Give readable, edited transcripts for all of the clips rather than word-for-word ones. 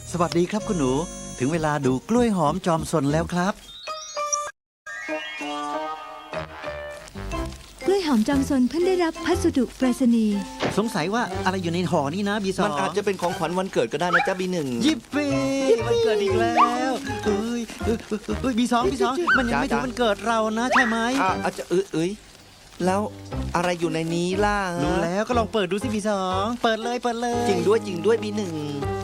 สวัสดีครับคุณหนูถึงเวลาดูกล้วยหอมจอมสนแล้วครับกล้วยหอมจอมสนเพิ่งได้รับพัสดุไปรษณีย์สงสัยว่าอะไรอยู่ในห่อนี่นะบีสองมันอาจจะเป็นของขวัญวันเกิดก็ได้นะจ๊ะบีหนึ่งยิปปี้วันเกิดอีกแล้วเอ้ยบีสองมันยังไม่ถึงวันเกิดเรานะใช่ไหมอาจจะแล้วอะไรอยู่ในนี้ล่ะรู้แล้วก็ลองเปิดดูสิบีสองเปิดเลยจริงด้วยบีหนึ่ง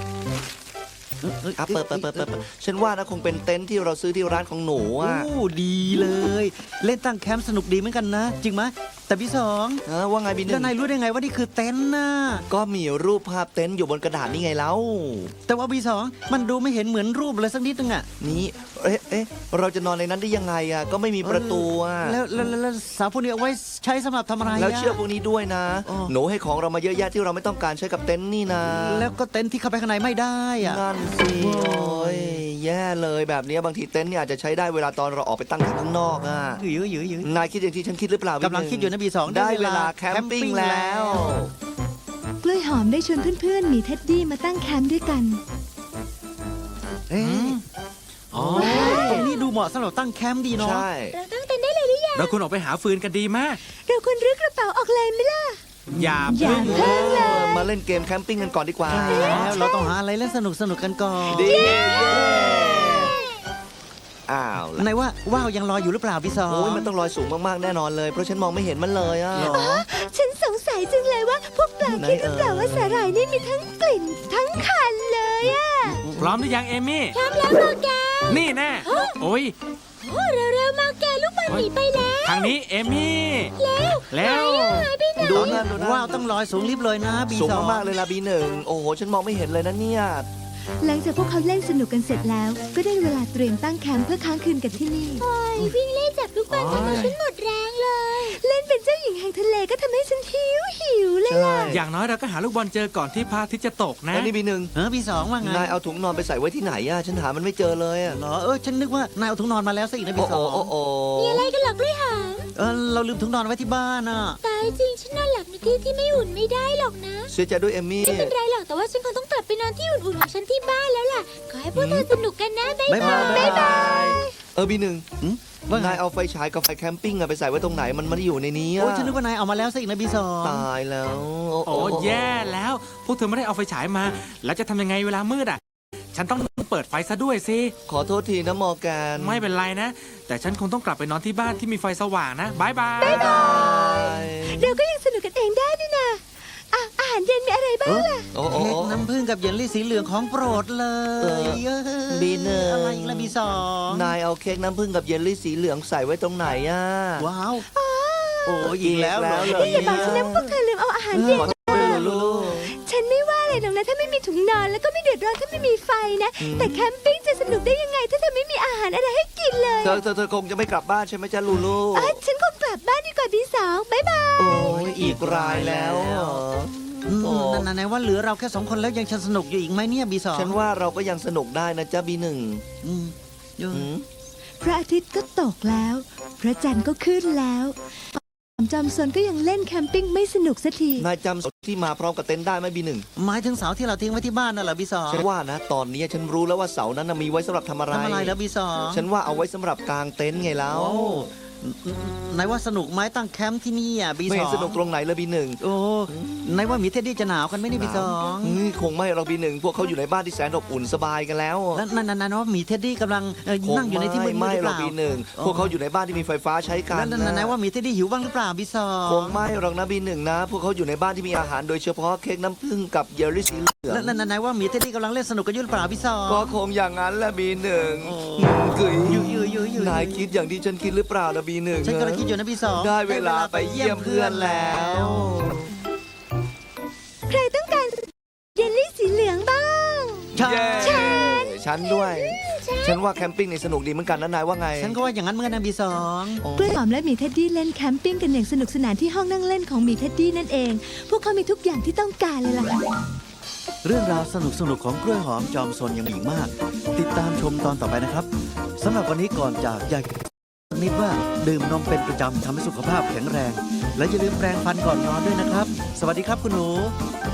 เปิดฉันว่านะคงเป็นเต็นท์ที่เราซื้อที่ร้านของหนูอ่ะโอ้ดีเลย เล่นตั้งแคมป์สนุกดีเหมือนกันนะ จริงไหมแต่บีสองว่าไงบีหนึ่แล้วงนายรู้ได้ไงว่านี่คือเต็นท์น่ะก็มีรูปภาพเต็นท์อยู่บนกระดาษนี่ไงแล้วแต่ว่าบีสองมันดูไม่เห็นเหมือนรูปเลยสักนิดนึงอะนี่เราจะนอนในนั้นได้ยังไงอ่ะก็ไม่มีประตูอ่ะแล้วสาวพวกนี้เอาไว้ใช้สำหรับทำอะไระแล้วเชือกพวกนี้ด้วยนะอ๋อหนูให้ของเรามาเยอะแยะที่เราไม่ต้องการใช้กับเต็นท์นี่นะแล้วก็เต็นท์ที่เข้าไปข้างในไม่ได้อะนั่นสิโอ้ยแย่เลยแบบนี้บางทีเต็นท์เนี่ยอาจจะใช้ได้เวลาตอนเราออกไปตั้งแคมป์ข้างนอกอ่ะยื้อนายคิดอย่างที่ฉันคิดหรือเปล่ากำลังคิดอยู่นะบีสองได้เวลาแคมปิ้งแล้วกล้วยหอมได้ชวนเพื่อนๆหมีเท็ดดี้มาตั้งแคมป์ด้วยกันเอ๊ะอ๋อตรงนี้ดูเหมาะสำหรับตั้งแคมป์ดีเนาะใช่เราตั้งเต็นท์ได้เลยหรือยังเราควรออกไปหาฟืนกันดีมากเราควรรื้อกระเป๋าออกเลยไหมล่ะอย่าอย่าพึ่งเพิ่งเลยมาเล่นเกมแคมปิ้งกันก่อนดีกว่าใช่แล้วเราต้องหาอะไรเล่นสนุกกันก่อนดีอ้าวแล้วไหนว่าว่าวยังลอยอยู่หรือเปล่าบีสองโอ้ยมันต้องลอยสูงมากๆแน่นอนเลยเพราะฉันมองไม่เห็นมันเลยอ่ะหรอฉันสงสัยจังเลยว่าพวกปลาคิดหรือเปล่าว่าสาหร่ายนี่มีทั้งกลิ่นทั้งคันเลยอะพร้อมหรือยังเอมี่พร้อมแล้วมาแกนี่แน่โอ้ยโอ้เร็วๆมาแกลูกบอลหนีไปแล้วทางนี้เอมี่แล้วดูตอนนี้นั่นดูนั่นว่าวต้องลอยสูงลิบเลยนะบีสูงสองมากๆเลยล่ะบีหนึ่งโอ้โหฉันมองไม่เห็นเลยนะเนี่ยหลังจากพวกเขาเล่นสนุกกันเสร็จแล้ว ก็ได้เวลาเตรียมตั้งแคมป์เพื่อค้างคืนกันที่นี่วิ่งเล่นจับลูกบอลทำให้ฉันหมดแรงเลย เล่นเป็นเจ้าหญิงแห่งทะเลก็ทำให้ฉันหิวเลยใช่อย่างน้อยเราก็หาลูกบอลเจอก่อนที่พระอาทิตย์จะตกนะแล้วนี่บีหนึ่งบีสองว่าไงนายเอาถุงนอนไปใส่ไว้ที่ไหนอ่ะฉันหามันไม่เจอเลยอ่ะเหรอฉันนึกว่านายเอาถุงนอนมาแล้วซะอีกนะบีโอ้สองโอ้มีอะไรกันหรอกด้วยหางเราลืมถุงนอนไว้ที่บ้านน่ะตายจริงฉันนอนหลับในที่ที่ไม่อุ่นไม่ได้หรอกนะเสียใจด้วยเอมมี่ไม่เป็นไรหรอกแต่ว่าฉันคงต้องกลับไปนอนที่อุ่นๆของฉันที่บ้านแล้วล่ะขอให้พวกเธอสนุกกันนะบ๊ายบายบ๊ายบายบีหนึ่งว่าไงนายเอาไฟฉายกับไฟแคมปิ้งอะไปใส่ไว้ตรงไหนมันไม่ได้อยู่ในนี้โอ้อะฉันนึกว่านายเอามาแล้วซะอีกนะบีสองตายแล้วโอ้แย่แล้ว พวกเธอไม่ได้เอาไฟฉายมา แล้วจะทำยังไงเวลามืดอ่ะ ฉันต้องเปิดไฟซะด้วยสิขอโทษทีนะมอร์แกนไม่เป็นไรนะ แต่ฉันคงต้องกลับไปนอนที่บ้านที่มีไฟสว่างนะบายบายเราก็ยังสนุกกันเองได้นี่นะอาหารเย็นมีอะไรบ้างล่ะโอ้เค้กน้ำผึ้งกับเยลลี่สีเหลืองของโปรดเลยบีหนึ่งอะไรอีกละบีสองนายเอาเค้กน้ำผึ้งกับเยลลี่สีเหลืองใส่ไว้ตรงไหนอะว้าวโอ้อีกแล้วเหรออีกแล้วเหรอย่าบอกฉันนะพวกเธอลืมเอาอาหารเย็นขอโทษด้วยลูกฉันไม่ว่าเลยหรอกนะถ้าไม่มีถุงนอนแล้วก็ไม่เดือดร้อนถ้าไม่มีไฟนะ แต่แคมปิ้งจะสนุกได้ยังไง ถ้าเธอไม่มีอาหารอะไรให้กินเลยเธอคงจะไม่กลับบ้านใช่ไหมจ๊ะลูลูฉันคงกลับบ้านดีกว่าพี่สาวบ๊ายบายโอ้ยอีกรายแล้วเหรอ โอ้นั่นว่าเหลือเราแค่2 คนแล้วยังจะสนุกอยู่อีกไหมเนี่ยบีสองฉันว่าเราก็ยังสนุกได้นะจ๊ะบีหนึ่งอืมพระอาทิตย์ก็ตกแล้ว พระจันทร์ก็ขึ้นแล้วจอมซนก็ยังเล่นแคมปิ้งไม่สนุกสักทีนายจำที่มาพร้อมกับเต็นท์ได้ไหมบีหนึ่งหมายถึงเสาที่เราทิ้งไว้ที่บ้านน่ะเหรอบีสองฉันว่านะตอนนี้ฉันรู้แล้วว่าเสานั้นน่ะมีไว้สำหรับทำอะไรทำอะไรแล้วบีสองฉันว่าเอาไว้สำหรับกางเต็นท์ไงแล้วโอ้ไหนว่าสนุกไหมตั้งแคมป์ที่นี่อ่ะบีไม่สเห็อน งสนุกตรงไหนเลยบีหนึ่งโอ้ไหนว่ามีเท็ดดี้จะหนาวกันไหมนี่บีสองคงไม่เราบีหนึ่งพวกเขาอยู่ในบ้านที่แสนอบอุ่นสบายกันแล้วแล้วนั่นว่ามีเท็ดดี้กำลังนั่งอยู่ในที่มืดๆไม่หรือเปเราล่าบีหนึ่งพวกเขาอยู่ในบ้านที่มีไฟฟ้าใช้กันนั่นว่ามีเท็ดดี้หิวบ้างหรือเปล่าบีสองคงไม่หรอกนะบีหนึ่งนะ พวกเขาอยู่ในบ้านที่มีอาหารโดยเฉพาะเค้กน้ำผึ้งกับเยลลี่สีเหลืองนั่นว่ามีเท็ดดี้กำลังเล่นสนุกกันอยู่หรือเปล่าบีสองก็คงอย่างนั้นแหละบีหนึ่งโอ้กึ๋ยอยู่นายคิดอย่างที่ฉันคิดหรือเปล่านะบีหนึ่งฉันกำลังคิดอยู่นะบีสองได้เวลาไปเยี่ยมเพื่อนแล้วใครต้องการเยลลี่สีเหลืองบ้างใช่เย้ฉันด้วย ฉันว่าแคมปิ้งนี่สนุกดีเหมือนกันนะนายว่าไงฉันก็ว่าอย่างนั้นเหมือนกันนะบีสองกล้วยหอมและหมีเท็ดดี้เล่นแคมปิ้งกันอย่างสนุกสนานที่ห้องนั่งเล่นของหมีเท็ดดี้นั่นเอง พวกเขามีทุกอย่างที่ต้องการเลยล่ะเรื่องราวสนุกของกล้วยหอมจอมซนยังมีอีกมาก ติดตามชมตอนต่อไปนะครับสำหรับวันนี้ก่อนจากอยากนิดว่าดื่มนมเป็นประจำทำให้สุขภาพแข็งแรง และอย่าลืมแปรงฟันก่อนนอนด้วยนะครับ สวัสดีครับคุณหนู